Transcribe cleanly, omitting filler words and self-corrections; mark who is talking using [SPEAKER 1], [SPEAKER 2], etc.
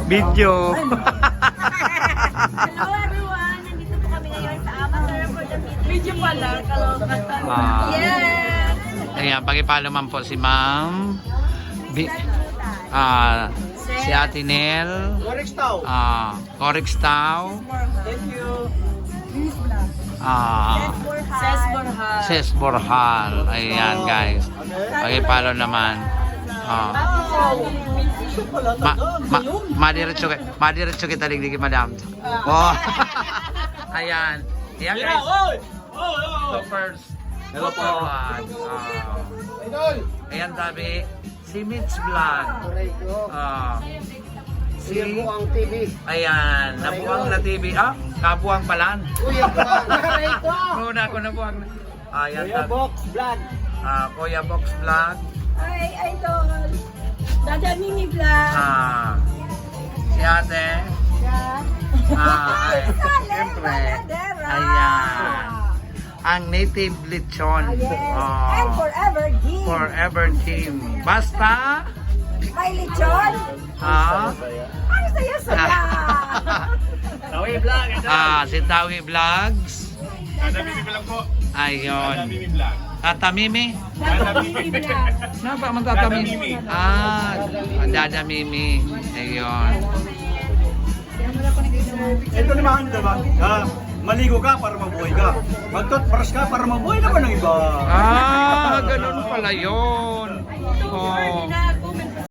[SPEAKER 1] Video.
[SPEAKER 2] Hello everyone! Nandito po kami ngayon sa Amateur for the Video pala, kaloka. Yes!
[SPEAKER 1] Ayan, pakipalo man po si Ma'am. Si Ate Nel. Corix Tao.
[SPEAKER 3] Thank you.
[SPEAKER 2] Ses Borja.
[SPEAKER 1] Ses Borjal. Ayan guys. Pakipalo naman. Madiretso kita ligligin, madam. Oh. Ayan. Ayan guys. So first. Hello po. Ayan tabi. Si Mitch Vlog. Si
[SPEAKER 3] Nabuang TV.
[SPEAKER 1] Ayan. Nabuang na TV. Kabuang palan.
[SPEAKER 3] Kuya Box.
[SPEAKER 1] Muna ako nabuang na. Ayan
[SPEAKER 3] Kuya
[SPEAKER 1] tabi.
[SPEAKER 3] Box Vlog.
[SPEAKER 1] Kuya Box Vlog.
[SPEAKER 2] Ay, idol. Dada Mimi Vlog.
[SPEAKER 1] Si ate. Siyempre. Ayan. Ang native lechon.
[SPEAKER 2] And forever G.
[SPEAKER 1] Forever team. Basta.
[SPEAKER 2] May lechon. Ang saya-saya.
[SPEAKER 3] Tawi Vlog.
[SPEAKER 1] Si Tawi Vlogs. Ayun. Tata Mimi.
[SPEAKER 2] Dada Mimi Vlog.
[SPEAKER 1] Napa man Tata Mimi? Dada Mimi. Ayun.
[SPEAKER 4] Ito naman, diba? Maligo ka para mabuhay ka. Mag-toothbrush ka para mabuhay naman ng iba.
[SPEAKER 1] Ganun pala yun. Oh.